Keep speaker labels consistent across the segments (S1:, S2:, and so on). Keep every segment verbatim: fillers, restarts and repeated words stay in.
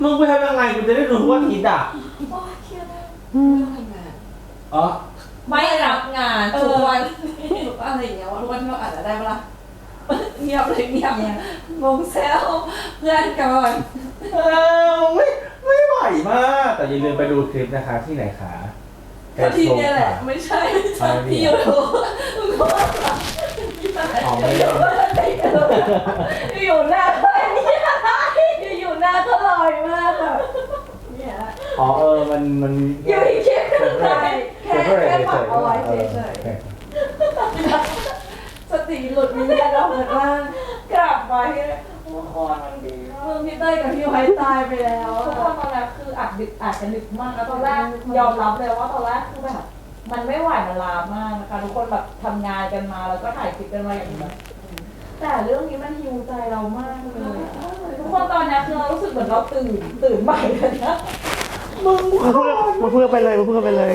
S1: มึงไปทำยังไงกูจะได้รู้ว่าทิศอ่ะ
S2: โอ้ยเครียดมากไม่ทำงาน
S1: อ๋อ
S2: ไม่รับงานทุกวันอะไรอย่างเงี้ยว่าทุกวันเราอาจจะได้เวลาเงียบเลยเงียบเนี่ยงงแซวเพื่อนก่อน
S1: เออไม่ไม่ไหวมากแต่อย่าลืมไปดูคลิปนะคะที่ไหนคะ
S2: ที่นี่แหละไม่ใช่ที่ยูทูบ
S1: อ๋อไม่ได้
S2: อยู่หน้าเท่านี้อยู่หน้าเท่าลอยมากแบบเนี่ย
S1: อ๋อเออมันมัน
S2: อยู่ที่คลิปกันเลยแค่แค่ปักเอาไว้เฉยๆสติหลุดมีแค่เราเหมือนว่ากลับไปโอ้โหมันดีมึงพี่เต้ยกับพี่ไว้ตายไปแล้วทุกคนตอนแรกคืออัดดึกอัดกันดึกมากแล้วตอนแรกยอมรับเลยว่าตอนแรกคือแบบมันไม่ไหวมันลามากนะคะทุกคนแบบทำงานกันมาแล้วก็ถ่ายคลิปกันมาอย่างนี้แต่เรื่องนี้มันฮิวใจเรามากเลยทุกคนตอนนี้คือเรารู้สึกเหมือนเราตื่นตื่นใหม่เลยนะมึง
S3: มาเพื่อมาเพื่อไปเลยมาเพื่อไปเลย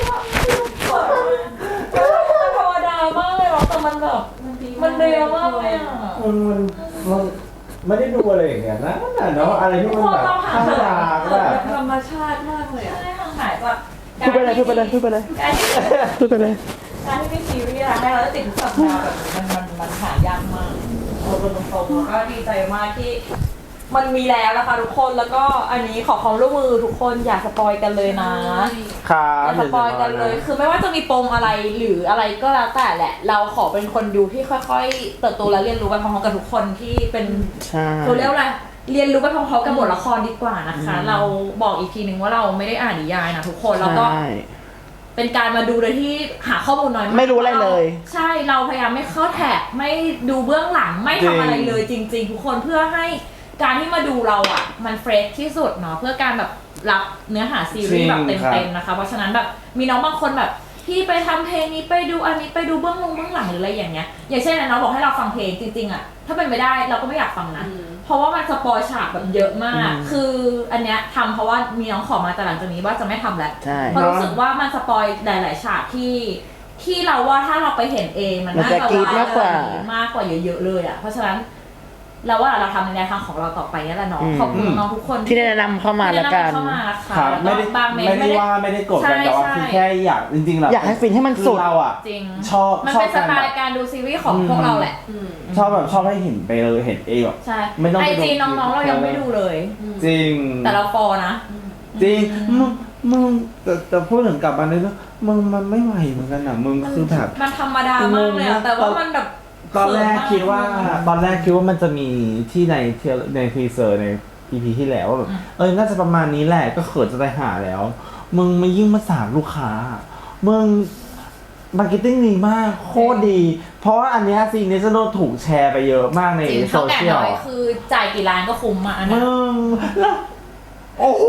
S2: ธรรมดามากเลยหรอแต่มันแบบมันเร็วมากเลยอ่ะ
S1: มันมันไม่ได้ดูอะไรอย่างเงี้ยนะเนาะอะไรที่มันแบบธรรมดาแบบ
S2: ธรรมชาติมากเลยอ่ะใช่ห่างหายจาก
S3: พูดไปเลยพูดไปเลยพูดไปเลยพูดไปเลย
S2: การที่มีซีรีส์ให้เราได้ติดสัปดาห์แบบมันมันมันหายากมากเราเป็นตรงๆแล้วก็ดีใจมากที่มันมีแล้วนะคะทุกคนแล้วก็อันนี้ขอความร่วมมือทุกคนอย่าสปอยกันเลยนะครับอย่าสปอยกันเลยคือไม่ว่าจะมีปมอะไรหรืออะไรก็แล้วแต่แหละเราขอเป็นคนดูที่ค่อยๆเติบโตและเรียนรู้ไปพร้อมๆกับทุกคนที่เป็นเขาเรียกอะไรเรียนรู้ไปพร้อมๆกับบทละครดีกว่านะคะเราบอกอีกทีนึงว่าเราไม่ได้อ่านนิยายนะทุกคนแล้วก็เป็นการมาดูโดยที่หาข้อมูลน้อยมาก
S3: ไม่รู้อะไรเลย
S2: ใช่เราพยายามไม่เข้าแท็กไม่ดูเบื้องหลังไม่ทำอะไรเลยจริงๆทุกคนเพื่อให้การที่มาดูเราอ่ะมันเฟรชที่สุดเนาะเพื่อการแบบรับเนื้อหาซีรีส์แบบเต็มๆนะคะเพราะฉะนั้นแบบมีน้องบางคนแบบพี่ไปทำเพลงนี้ไปดูอันนี้ไปดูเบื้องลงเบื้องหลังหรืออะไรอย่างเงี้ยอย่างเช่นน้องบอกให้เราฟังเพลงจริงๆอ่ะถ้าเป็นไม่ได้เราก็ไม่อยากฟังนะเพราะว่ามันสปอยฉากแบบเยอะมากคืออันเนี้ยทำเพราะว่ามีน้องขอมาแต่หลังจากนี้ว่าจะไม่ทำแล้วเพราะรู้สึกว่ามันสปอยหลายๆฉากที่ที่เราว่าถ้าเราไปเห็นเองมันน่าจะว้าวมากกว่าเยอะๆเลยอ่ะเพราะฉะนั้นเราว่าเราทำในแนวทางของเราต่อไปนี่แหละเนาะขอบคุณน้องทุกคน
S3: ที่แนะนำเข้ามาแล้วกัน
S1: ครับไม่ได้ไม่ได้ว่าไม่ได้กดกันแต่ว่าคือแค่อยากจริงๆเรา
S3: อยากให้ฟินให้มันสุด
S1: เราอ่ะชอบ
S2: มันเป็นสไตล์การดูซีรีส์ของพวกเราแหละ
S1: ชอบแบบชอบให้เห็นไปเลยเห็นเองแบบ
S2: ไม่ต้องไอจีน้องๆเรายังไม่ดูเลย
S1: จริง
S2: แต่เราฟอนะ
S1: จริงมึงมึงแต่แต่พูดถึงกลับมาเลยว่ามึงมันไม่ไหวเหมือนกันอ่ะมึงคือแบบ
S2: มันธรรมดามากเลยแต่ว่ามันแบบ
S1: ตอนแรกคิดว่าตอนแรกคิดว่ามันจะมีที่ในในทีเซอร์ใน อี พี ที่แล้วว่าแบบเออน่าจะประมาณนี้แหละก็เขินจะได้หาแล้วมึงมายิ่งมาสามลูกค้ามึงมาร์เก็ตติ้งดีมากโคตรดีเพราะว่าอันนี้ซีนนี้จะโดนถูกแชร์ไปเยอะมากในโซเชียล
S2: คือจ่ายกี่ล้านก็คุ้มอ่ะนะ
S1: มึงโอ้โห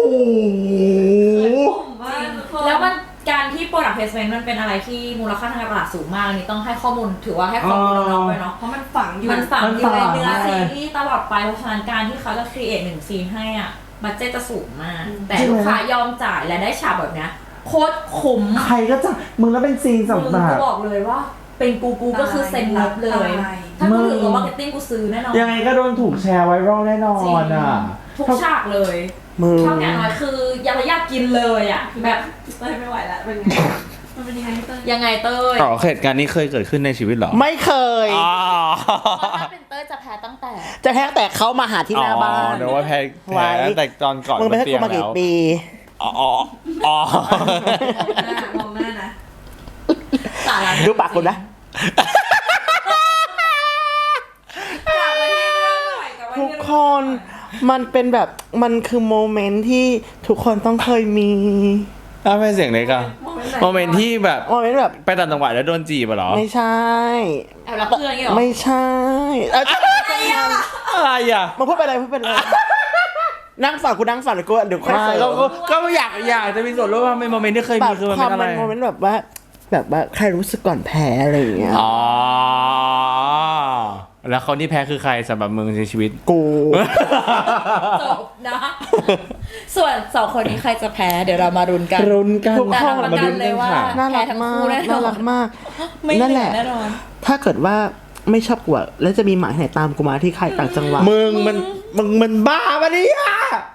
S2: แล้วมันการที่ product placement มันเป็นอะไรที่มูลค่าทางการตลาดสูงมากนี่ต้องให้ข้อมูลถือว่าให้ข้อมูลน้องๆไปเนาะเพราะมันฝังอยู่มันฝังอยู่ในเนื้อซีรีส์ตลอดไปเพราะฉะนั้นการที่เขาจะ create หนึ่งซีนให้อ่ะบัดเจ็ตจะสูงมากแต่ลูกค้ายอมจ่ายและได้ฉากแบบนี้โคตรคุ้ม
S1: ใครก็จะมึงแล้วเป็นซีนสำหรับ
S2: กูบอกเลยว่าเป็นกูกูก็คือเซ็นรับเลยถ้ากูถือว่ามาร์เก็ตติ้งกูซื้อแน่นอน
S1: ยังไงก็โดนถูกแชร์ไวรัลแน่นอนอ่ะ
S2: ทุกฉากเลยเท่าอย่างน้อยคืออยากอยากกินเลยอ่ะแบบเต้ยไม่ไหวแล้วเป็นไงมันเป็นยังไงเต้ยยังไงเต้ย
S1: อ๋อเหตุการณ์นี้เคยเกิดขึ้นในชีวิตเหรอ
S3: ไม่เคย
S2: อ๋อถ้าเป็นเต้ยจะแพ้ตั้งแต่
S3: จะแพ้แต่เขามาหาที่หน้าบ้าน
S1: เดี๋ยวว่าแพ้แพ้ตั้งแต่ตอนก่อน
S3: มึงไปให้กูมากี่ปี
S1: อ๋ออ๋อ
S2: มองหน้านะ
S3: ดูปากกูนะทุกคนมันเป็นแบบมันคือโมเมนต์ที่ทุกคนต้องเคยมี
S1: ถ้าเป็นเสียงเล็กอะโมเมนต์ที่แบบ
S3: โมเมนต์แบบ
S1: ไปต่างจังหวัดแล้วโดนจีบเหรอ
S3: ไม่ใช่
S2: แอบรักเพื่อนอย่างเงี้ยหรอ
S3: ไม่ใช่
S1: อะไรอะ
S3: มาพูดไปอะไรพูดไปอะไรนั่งฝันกูนั่งฝันกูเดี๋ยวค่อย
S1: ก็ก็อยากอยากจะมีส่วนร่วมในโมเมนต์ที่เคยมีคือมันเป็นอะไร
S3: โมเมนต์แบบว่าแบบว่าใครรู้สึกก่อนแพ้อะไรอย่างเงี้ย
S1: อ๋อแล้วคนที่แพ้คือใครสำหรับมึงในชีวิต
S3: กู
S2: จบนะส่วนสองคนนี้ใครจะแพ้เดี๋ยวเรามารุนกัน
S1: รุนกัน
S2: ทุกคนมารุนเลยว่า
S3: น่ารักมากน่ารักมาก
S2: นั่นแหละ
S3: ถ้าเกิดว่าไม่ชอบกูแล้วจะมีหมายไหนตามกูมาที่ใครต่างจังหวัด
S1: มึงมันมึงมันบ้าปะเนี่ย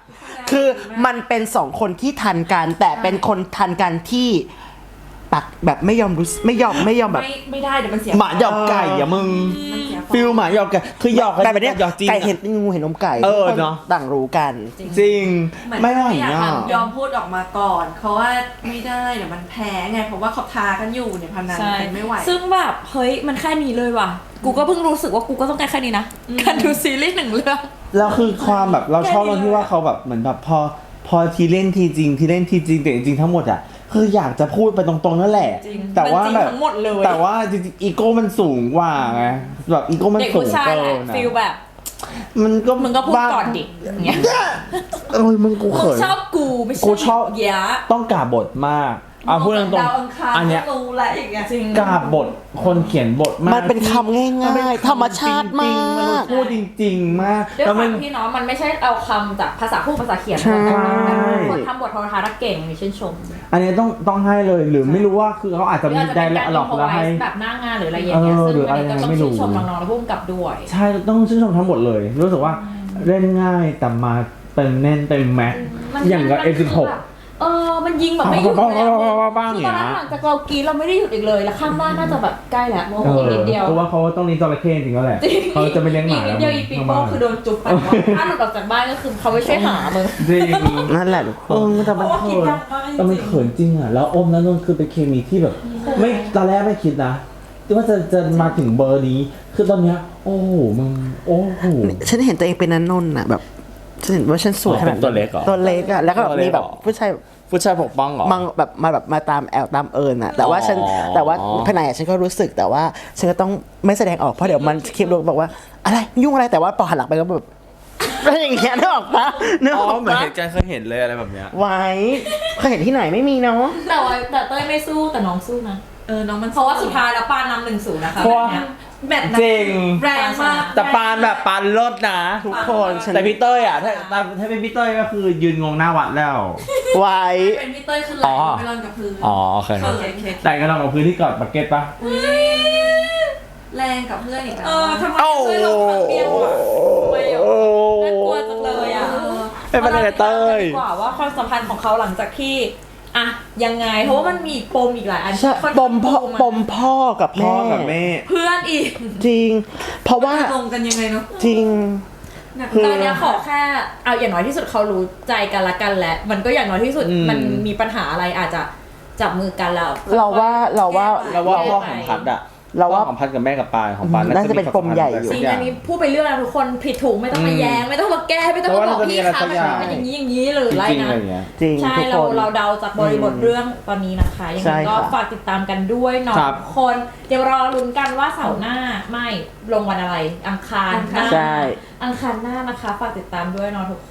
S3: คือมันเป็นสองคนที่ทันกัน แต่เป็นคนทันกันที่ปักแบบไม่ยอมรู้สึกไม่ยอมไม่ยอมแบบ
S2: ไม่ไม่ได้เดี๋ยวมันเสีย
S1: หมาหยอกไก่อะมึง
S2: มันเสีย
S1: ฟิลหมาหยอกไก่คือหยอกกัน
S3: แต่แบบเนี้ย
S1: หยอกจริง
S3: ไก่
S1: อะ
S3: เห็นงูเห็นนมไก่
S1: เออ
S3: ทุกคน
S1: เนอะ
S3: ต่างรู้กัน
S1: จริง
S4: เหมือน
S1: ไม่ไหว
S4: อยาก
S1: อ่ะ
S4: ยอมพูดออกมาก่อน เพราะว่าไม่ได้เดี๋ยวมันแพ้ไงเพราะว่าเขาทากันอยู่เนี่ยพนัน
S2: ใช่
S4: กันไม่ไหว
S2: ซึ่งแบบเฮ้ยมันแค่นี้เลยว่ะ กูก็เพิ่งรู้สึกว่ากูก็ต้องการแค่นี้นะการดูซีรีส์หนึ่งเรื่อง
S1: แล้วคือความแบบเราชอบ
S2: แค่นี้
S1: ตรงที่ว่าเขาแบบเหมือนแบบพอพอทีเล่นทีจริงทีเล่นทีจริงแต่จริงๆทั้งหมดอ่ะคืออยากจะพูดไปตรงๆนั่นแหละ
S2: จริง
S1: แต่ว่า
S2: มันจริง
S1: แบบ
S2: ทั้งหมดเลย
S1: แต่ว่าจริงๆอีโก้มันสูงกว่าไงแบบอีโก้มัน
S2: เด็ก
S1: สู
S2: ผู้
S1: ง
S2: ชาย
S1: เกิ
S2: แหละ
S1: นอะ
S2: ฟิลแบบ
S1: มันก็
S2: มึงก็พูดก่อนดิอย่างเงี้ย
S1: เอ้ยมึงกู
S2: มึ
S1: เขิ
S2: ง
S1: น
S2: ชอบกูไม่ใช่
S1: กูชอบ
S2: เยอะ
S1: ต้องกราบบทมากเอาพูดตรง
S4: ดาวอังคาร
S1: ๆอันเนี้ย
S4: ก็รู้แหละอย่างเงี้ย
S2: จริง
S1: กราบบทคนเขียนบทมาก
S3: มันเป็นคำง่ายๆ
S1: นเป็นคำ
S3: ธรรมชาติมาก
S1: จริงๆมันพูดจริง ๆ มาก
S2: ด้วย
S1: แล้ว
S2: ค
S1: มั
S2: วาน มที่เนาะมันไม่ใช่เอาคำจากภาษาพูดภาษาเขียน
S3: ใช่
S2: คนทำบทโทรทัศน์เก่งมีชื่นชม
S1: อันนี้ต้องต้องให้เลยหรือไม่รู้ว่าคือเขาอาจจะ
S2: หรือ
S1: มี
S2: อาจจะ
S1: ได้
S2: เป็นการ
S1: หลอก
S2: อินโฟ
S1: แล้ว
S2: ไว
S1: ให้
S2: ส์แบบหน้างานหรืออะไรอย่างเงี้ย
S1: เออ
S2: ซึ่ง
S1: หรือ
S2: อันนี้ก็
S1: อะไร
S2: ต้อง
S1: ไม่รู้
S2: ชื่นชมน้องๆและผู้กำกับด้วย
S1: ใช่ต้องชื่นชมทั้งหมดเลย รู้สึกว่าเล่นง่ายแต่มาเต็มแน่นเต็มแม็กซ์
S2: มัน
S1: อย่างกับ
S2: มั
S1: เอ
S2: คื
S1: สิบหก
S2: แบบเออมันยิงแบบไม่หยุดเลยอะ
S1: บ้างๆ
S2: คือ
S1: อย่าง
S2: ตอน
S1: เงี้ย
S2: นั้นหลังจากเรากรีดเราไม่ได้หยุดอีกเลยแล้วข้างบ้านน่าจะแบบใกล้แล้วโมโห
S1: เอ
S2: อีก
S1: อ
S2: นิดเดียว
S1: เพราะว่าเขาต้องเลี้ยงจระเข้จริงๆแล้วแหละ
S2: จริง
S1: เขาจะไม่เลี้ยงหมา
S2: อีกนิดเดียวอีปีโป้คือโดนจุ๊บไปถ้าหลุดออกจากบ้านก็คือเขาไม่ช่วยหามึง
S1: จริง
S3: นั่นแหละทุกค
S1: เอน อแต่มันเขินแต่มันเขินจริงอ่ะแล้วอมแล้วนนท์คือเป็นเคมีที่แบบ ไม่ตอนแรกไม่คิดนะว่าจะจะมาถึงเบอร์นี้คือตอนเนี้ยโอ้โหมึงโอ้โห
S3: ฉันเห็นตัวเองเป็นนันนนท์อ่ะแบบฉันเห็นว่าฉันสวยขนาด
S1: เป็นตัวเล็กเหรอ
S3: ตัวเล็กอ่ะแล้วก็แบบ
S1: ตัวเล็
S3: มี
S1: ก
S3: แบบ
S1: เหรอ
S3: ผู้ชาย
S1: ผู้ชายปกป้องเหรอ
S3: มังแบบมาแบบมาตามแอลตามเอิญอ่ะแต่ว่าฉัน
S1: อ๋อ
S3: แต่ว่าภายในอะฉันก็รู้สึกแต่ว่าฉันก็ต้องไม่แสดงออกเพราะเดี๋ยวมันคลิปลงบอกว่าอะไรยุ่งอะไรแต่ว่าพอหันหลังไปก็แบบอะไรอย่างเงี้ยนึกออกปะนึก
S1: อ๋
S3: อ
S1: อ
S3: อก
S1: เหมือน
S3: ปะ
S1: เหตุการณ์เคยเห็นเลยอะไรแบบเนี้ย
S3: ไว้เคยเห็นที่ไหนไม่มีเนาะ
S2: แต่ว่าแต่เต้ยไม่สู้แต่น้องสู้นะ
S4: เออน้องมัน
S2: เพราะว่าสุดท้ายแล้วปานำหนึ่งศูนย์นะคะ
S1: เพราะว่า
S4: แมตช์นั้น
S1: จริง
S4: แรงมาก
S1: แต่ปานแบบปานเลิศนะ
S3: ทุกคนฉัน
S1: แต่พี่เต้ยอ่ะถ้าถ้าถ้าเป็นพี่เต้ยก็คือยืนงงหน้าวัดแล้ว
S3: ไว้
S4: เป็นพี่เต้ยคือไหล
S1: อ๋อ
S4: ไปนอนกับพื้น
S1: อ๋อโอเค
S4: เขินเคส
S1: แต่ก็ลองกับพื้นที่กอดบักเก็ตปะ
S4: แรงกับเพื่อนอีกแล้ว
S2: เออทำไมเต้ยลงมาเปรี้ยวอ่ะทำไมอ่ะน่ากลัวจังเลยอ่ะ
S3: ไม่เป็นไรเต้ย
S2: ดีกว่าว่าความสัมพันธ์ของเขาหลังจากที่อะยังไงเพราะว่ามันมีปมอีกหลายอัน
S3: ใช่
S2: ค่น
S3: ป
S2: ข้าง
S3: มพ่อ
S2: มา
S3: ปมพ่อกับ
S1: พ่อ
S3: แม่
S1: กับแม่
S2: เพื่อนอีก
S3: จริง เพราะว่า
S4: จะลงกันยังไงเนาะ
S3: จริง
S4: หนัก
S3: คือ
S2: ตอนเนี้ยขอแค่เอาอย่างน้อยที่สุดเขารู้ใจกันละกันแล้วมันก็อย่างน้อยที่สุด
S1: อืม
S2: มันมีปัญหาอะไรอาจจะจับมือกันแล้ว
S3: เราว่าเราว่า
S1: แล้วว่าพ่อของพัดอะ
S3: เราว่า
S1: พ่อของพัดกับแม่กับปานของปาน
S3: น่าจะเป็นปมใหญ่อยู่
S2: จริงอันนี้พูดไปเรื่องนะทุกคนผิดถูกไม่ต้องมาแย้งไม่ต้องมาแก้ไม่ต้องมาบอกพี่คะมันเป็นอย่างนี้อย่างนี้หรืออะไร
S1: จริงๆ
S2: นะ
S1: อะไรอย่างเงี้ย
S3: จริง
S2: ใช่
S3: ทุก
S2: เรา
S3: คน
S2: เราเดาจากบริบทเรื่องตอนนี้นะคะยัง
S3: ใช่
S2: ไงก็
S3: ค่ะ
S2: ฝากติดตามกันด้วยเนาะ
S1: ครับ
S2: ทุกคนเดี๋ยวรอลุ้นกันว่าเสาร์หน้าไม่ลงวันอะไร อังคารหน้า
S3: ใช่
S2: อังคารหน้านะคะฝากติดตามด้วยเนาะทุกคน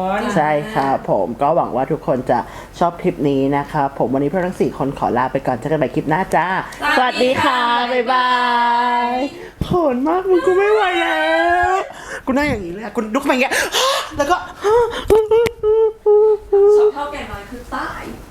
S3: ใช่ครับผมก็หวังว่าทุกคนจะชอบคลิปนี้นะครับผมวันนี้พวกเราทั้งสี่คนขอลาไปก่อนเจอกันใหม่คลิปหน้าจ้า สวัสดีค่ะ บ๊ายบายโหดมากมึงกูไม่ไหวแล้วกูนั่งอย่างนี้เลยอะกูลุกมาอย่างเงี้ยแล้วก็
S4: ชอบเท่าแก่น้อยคือตาย